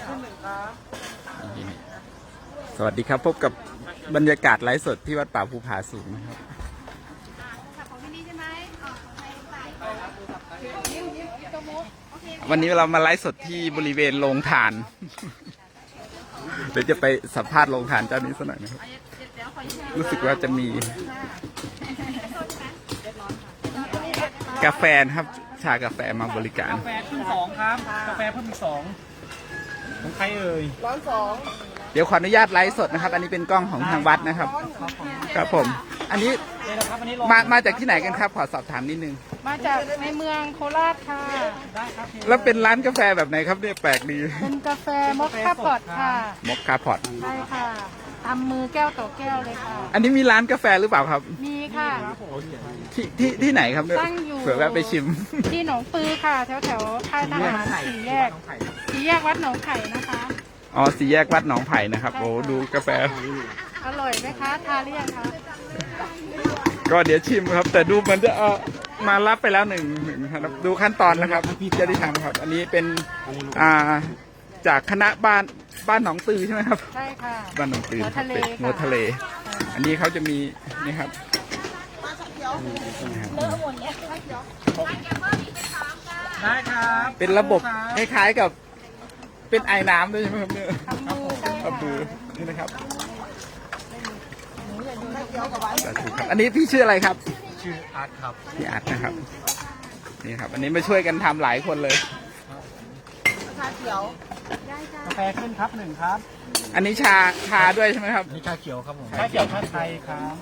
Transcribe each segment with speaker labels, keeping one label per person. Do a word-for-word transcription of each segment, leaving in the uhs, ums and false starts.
Speaker 1: สวัสดีครับพบกับบรรยากาศไลฟ์สดที่วัดป่าภูผาสูงนะครับวันนี้เรามาไลฟ์สดที่บริเวณโรงทานเดี๋ยวจะไปสัมภาษณ์โรงทานเจ้านี้สักหน่อยนะครับรู้สึกว่าจะมีกาแฟนะครับชากาแฟมาบริการ
Speaker 2: กาแฟเพิ่มสองครับกาแฟเพิ่มอีกสองของใครเอ่ยร้อนสอง
Speaker 1: เดี๋ยวขออนุญาตไลฟ์สดนะครับอันนี้เป็นกล้องของทางวัดนะครับครับผมอันนี้มามาจากที่ไหนกันครับขอสอบถามนิดนึง
Speaker 3: มาจากในเมืองโคราชค่ะ
Speaker 2: ได้ครับ
Speaker 1: แล้วเป็นร้านกาแฟแบบไหนครับเนี่ยแปลกดี
Speaker 3: เป็นกาแฟมอคค่าพอตค่ะ
Speaker 1: มอคค่าพอต
Speaker 3: ใช่ค่ะทำมือแก้วต่อแก้วเลยค่ะ
Speaker 1: อันนี้มีร้านกาแฟหรือเปล่าครับ
Speaker 3: มีค่ะ
Speaker 1: ที่ที่ที่ไหนครับ
Speaker 3: ตั้งอยู่
Speaker 1: เผื่อแวะไปชิม
Speaker 3: ที่หนองปือค่ะแถวแถวค่ายทหารสี่แยกสี่แยกวัดหนองไผ่นะคะ
Speaker 1: อ๋อสี่แยกวัดหนองไผ่นะครับโอ้ดูกาแฟ
Speaker 3: อร่อยไหมคะทานหรือยังคะ
Speaker 1: ก็เดี๋ยวชิมครับแต่ดูมันจะเออมารับไปแล้วหนึ่งหนึ่งครับดูขั้นตอนนะครับพี่จะได้ทำครับอันนี้เป็นอ่าจากคณะบ้านบ้านหนองตือใช่ไหมครับ
Speaker 3: ใช่ค่ะ
Speaker 1: บ้านหนองตือ
Speaker 3: หัวทะเล
Speaker 1: หัวทะเลอันนี้เขาจะมีนี่ครับ
Speaker 2: ได้ครับ
Speaker 1: เป็นระบบคล้ายๆกับเป็นไอ้น้ำด้วยใช่ไหมครับเนี่ย
Speaker 3: ทำมือ
Speaker 1: นี่นะครับอันนี้พี่ชื่ออะไรครับ
Speaker 2: ชื่ออาร์ตครับ
Speaker 1: พี่อาร์ตนะครับนี่ครับอันนี้มาช่วยกันทำหลายคนเลย
Speaker 3: ชาเขียว
Speaker 2: กาแฟขึ้นครับหนึ่งครับ
Speaker 1: อันนี้ชาชาด้วยใช่ไหมครับ
Speaker 2: นี่ชาเขียวครับผมชาเขียวชาไทยครับ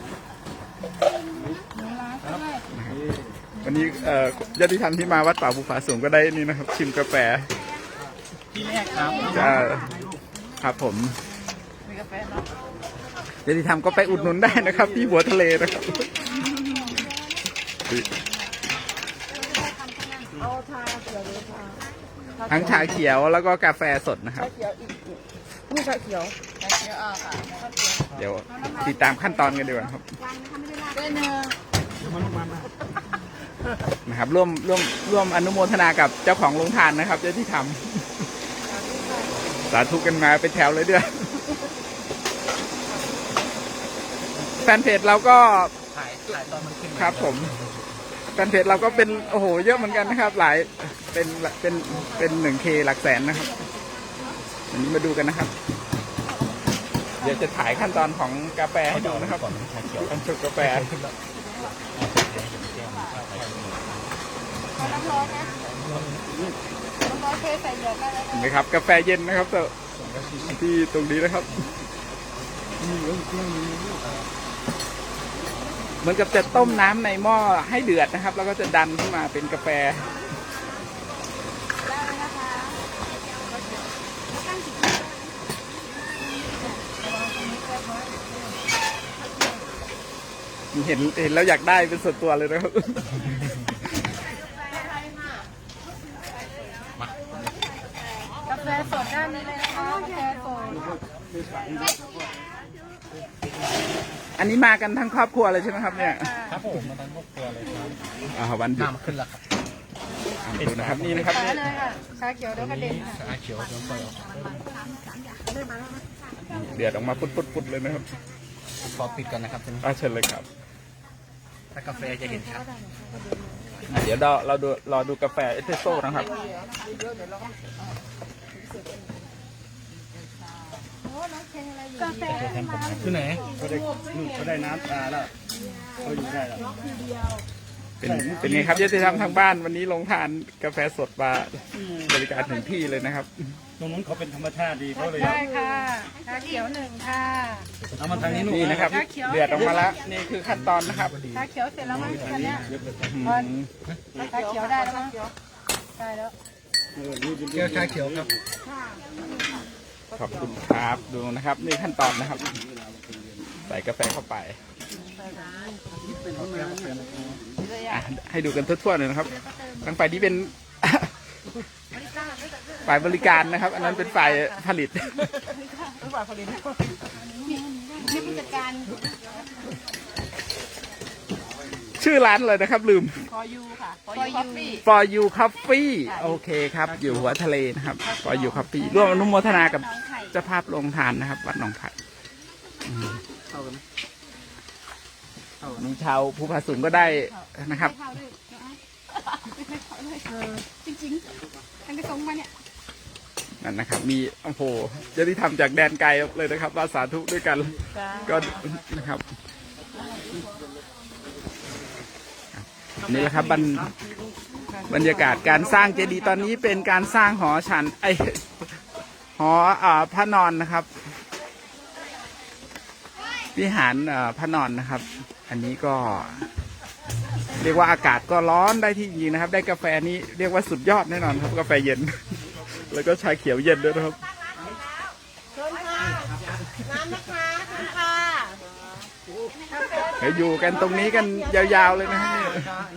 Speaker 1: วันนี้เอ่อญาติธรรมที่มาวัดป่าภูผาสูงก็ได้นี่นะครับชิมกาแฟ
Speaker 2: ที่แรกครับ
Speaker 1: ครับผมญาติธรรมก็ไปอุดหนุนได้นะครับที่หัวทะเลนะครับทั้งชาเขียวแล้วก็กาแฟสดนะครับ
Speaker 3: นี่ชาเขียวชาเขียวอ่ะค่ะ
Speaker 1: เดี๋ยวติดตามขั้นตอนกันดีกว่าครับนะครับร่วมร่วมร่วมอนุโมทนากับเจ้าของโรงทานนะครับเจ้าที่ทำสาธุกันมาเป็นแถวเลยด้วยแฟนเพจเราก็
Speaker 2: ถ่ายถ่ายตอนมันขึ้น
Speaker 1: ครับผมแฟนเพจเราก็เป็นโอ้โหเยอะเหมือนกันนะครับหลายเป็นเป็นเป็นหนึ่งเคหลักแสนนะครับวันนี้มาดูกันนะครับเดี๋ยวจะถ่ายขั้นตอนของกาแฟให้ดูนะครับการชุบกาแฟเห็นไหมครับกาแฟเย็นนะครับแต่ที่ตรงนี้นะครับเหมือนกับจะต้มน้ำในหม้อให้เดือดนะครับแล้วก็จะดันขึ้นมาเป็นกาแฟเห็นเห็นแล้วอยากได้เป็นส่วนตัวเลยนะครับ
Speaker 3: กาแฟสดด้านนี้เลยนะคะกาแฟสด
Speaker 1: อันนี้มากันทั้งครอบครัวเลยใช่ไหมครับเนี่ย
Speaker 2: ครับผมมาทั้งครอบครัวเลยครับ
Speaker 1: อ่าวันหยุด
Speaker 2: ขึ้นแล้วครับ
Speaker 1: ดูนะครับนี่นะครับ
Speaker 3: ชาเขียวเดี๋ยวกระเด็น
Speaker 2: ชาเขียวเดี๋ยวไปออก
Speaker 1: เดือดออกมาปุดๆเลยนะครับ
Speaker 2: ขอปิดก่อนนะครับ
Speaker 1: อ่าเชิญเลยครับ
Speaker 2: ถ้ากาแฟจะเห็นชัด
Speaker 1: เดี๋ยวเราเราดูรอดูกาแฟเอสเปรสโซ่นะครับ
Speaker 3: กาแฟ
Speaker 2: คือไหน
Speaker 4: เขาได้เขาได้น้ำตาแล้วเขาอยู่ได้แล้ว
Speaker 1: เป็นเป็นไงครับญาติธรรมทางบ้านวันนี้ลงทานกาแฟสดมาบริการถึงที่เลยนะครับ
Speaker 4: ตรงนู้นเขาเป็นธรรมชาติดีเขาเลย
Speaker 3: ได้ค่ะชาเขียวหนึ่งค่ะ
Speaker 4: เอามาทางนี้
Speaker 1: นี่นะครับเดือดออกมาแล้วนี่คือขั้นตอนนะครับ
Speaker 3: ชาเขียวเสร็จแล้วมั้งตอนนี้ชาเขียวได้แล้วมั้งได้แล้ว
Speaker 2: แก้วชาเขียวครับ
Speaker 1: ขอบคุณครับดูนะครับนี่ขั้นตอนนะครับใส่กาแฟเข้าไปให้ดูกันทั่วๆเลยนะครับทางฝ่ายนี้เป็นฝ่ายบริการนะครับอันนั้นเป็นฝ่ายผลิต
Speaker 3: ฝ่ายผลิตนี่ผู้จัดการ
Speaker 1: ชื่อร้านเลยนะครับลืม
Speaker 3: พอยูค่ะพอยู
Speaker 1: For You Coffee โอเคครับ อยู่หัวทะเลนะครับ For You Coffee ร่วมอนุโมทนากับเจ้าภาพโรงทานนะครับ วัดหนองไผ่อืม
Speaker 2: เข้ากันไหมเข้ากัน
Speaker 1: มีชาวภูผาสูงก็ได้นะครับ
Speaker 3: จริงๆทั้งกระทงมาเนี่ย
Speaker 1: นั่นนะครับ มีโอ้โหเจะที่ทำจากแดนไกลเลยนะครับว่าสาธุด้วยกัน ก็นะครับนี่แหละครับบรรบรรยากาศการสร้างเจดีย์ตอนนี้เป็นการสร้างหอฉันไอหออ่าพระนอนนะครับ วิหารอ่าพระนอนนะครับ อันนี้ก็ เรียกว่าอากาศก็ร้อนได้ที่จริงนะครับ ได้กาแฟนี้เรียกว่าสุดยอดแน่นอนครับกาแฟเย็น แล้วก็ชาเขียวเย็นด้วยนะครับ
Speaker 3: น้ำนะคะคุณค่ะ
Speaker 1: เดี๋ยวอยู่กันตรงนี้กันยาวๆเลยนะครับเนี่ย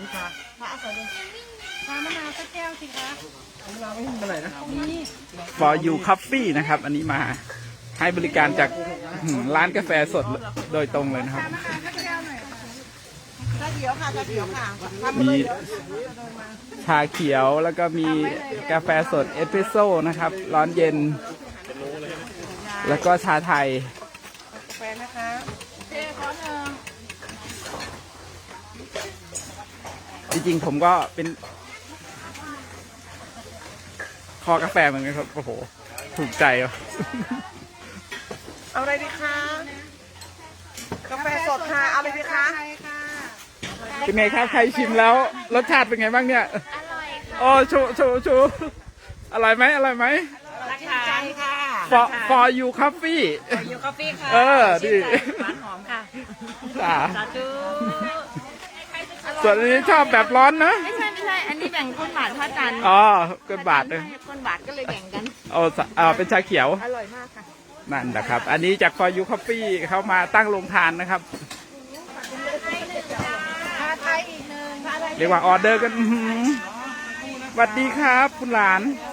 Speaker 3: ชามะนาวสักแก้วสิคะ
Speaker 2: เราไม่เป็นไรนะ
Speaker 3: นี่
Speaker 1: For You Coffee นะครับ อันนี้มาให้บริการจากอืมร้านกาแฟสดโดยตรงเลยนะครับ
Speaker 3: ชามะนาวสักแก้วหน่อยค่ะ
Speaker 5: ชาเขียวค่ะชาเขียวค่ะ
Speaker 1: มีชาเขียวแล้วก็มีกาแฟสดเอสเปรสโซ่นะครับ ร้อนเย็น แล้วก็ชาไทย
Speaker 5: กาแฟนะคะ
Speaker 3: เจ๊ขอหนึ่ง
Speaker 1: จริงๆผมก็เป็นคอกาแฟเหมือนกันครับ โอ้โห ถูกใจอ่ะ
Speaker 5: เอาอะไรดีคะ กาแฟสดค่ะ เอาอะไรดีคะ
Speaker 3: ใช่ค่ะ
Speaker 1: เป็นไงครับใครชิมแล้ว รสชาติเป็นไงบ้างเนี่ย
Speaker 3: อร่อยค่ะ
Speaker 1: โอ้ชูชูชูอร่อยไหมอร่อยไหม
Speaker 5: รักใจค่ะ
Speaker 1: For For You Coffee
Speaker 5: ยูกาแฟค่ะ
Speaker 1: เออดี
Speaker 5: หวานหอมค่ะ
Speaker 1: จ้า
Speaker 5: สาธุ
Speaker 1: ส่วนอันนี้ชอบแบบร้อนนะ
Speaker 5: ไม่ใช่ไม่ใช่ อันนี้แบ่งก้นบาทพระจันทร์
Speaker 1: อ๋อเกินบาทเลย
Speaker 5: ก้นบาทก็เลยแบ่งกัน
Speaker 1: เอาสะเอาเป็นชาเขียว
Speaker 5: อร่อยมากค่ะ
Speaker 1: นั่นนะครับ อันนี้จาก For You Coffee เขามาตั้งโรงทานนะครับ
Speaker 3: ชาไทยอีกหนึ่ง
Speaker 1: เรียกว่าออเดอร์กันอื้อหือสวัสดีครับคุณหลาน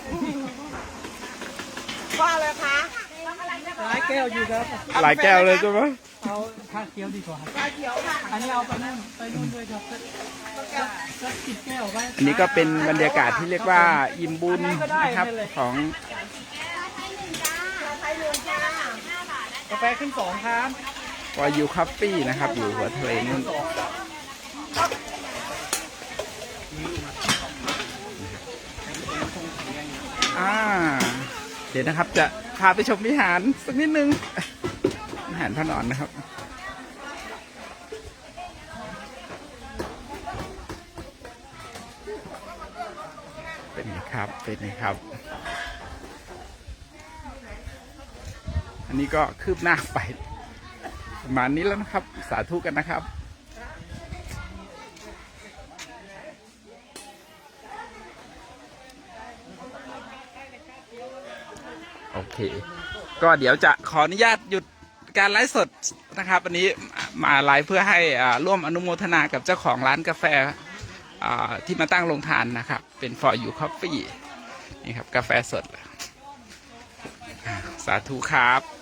Speaker 5: ว่าอะไรคะ
Speaker 2: หลายแก้วอยู่ครับ
Speaker 1: หลายแก้วเลยใช่ไหม
Speaker 2: เอาชาเขียวดีกว่า
Speaker 5: ชาเขียวค่ะ
Speaker 2: อันนี้เอาไปนู่นไปนู่นด้วยครับสักสิบแก้วไว้
Speaker 1: อันนี้ก็เป็นบรรยากาศที่เรียกว่าอิ่มบุญนะครับของ
Speaker 2: กาแฟขึ้นสองครับ
Speaker 1: For You Coffee นะครับ อยู่หัวทะเลนู่นอ่าเดี๋ยวนะครับจะพาไปชมวิหารสักนิดนึงวิหารพระนอนนะครับ เป็นไงครับ เป็นไงครับ อันนี้ก็คืบหน้าไปประมาณนี้แล้วนะครับ สาธุกันนะครับ โอเค ก็เดี๋ยวจะขออนุญาตหยุดการไลฟ์สดนะครับ อันนี้มาไลฟ์เพื่อให้อ่าร่วมอนุโมทนากับเจ้าของร้านกาแฟอ่าที่มาตั้งโรงทานนะครับ เป็น For You Coffee นี่ครับ กาแฟสดอ่าสาธุครับ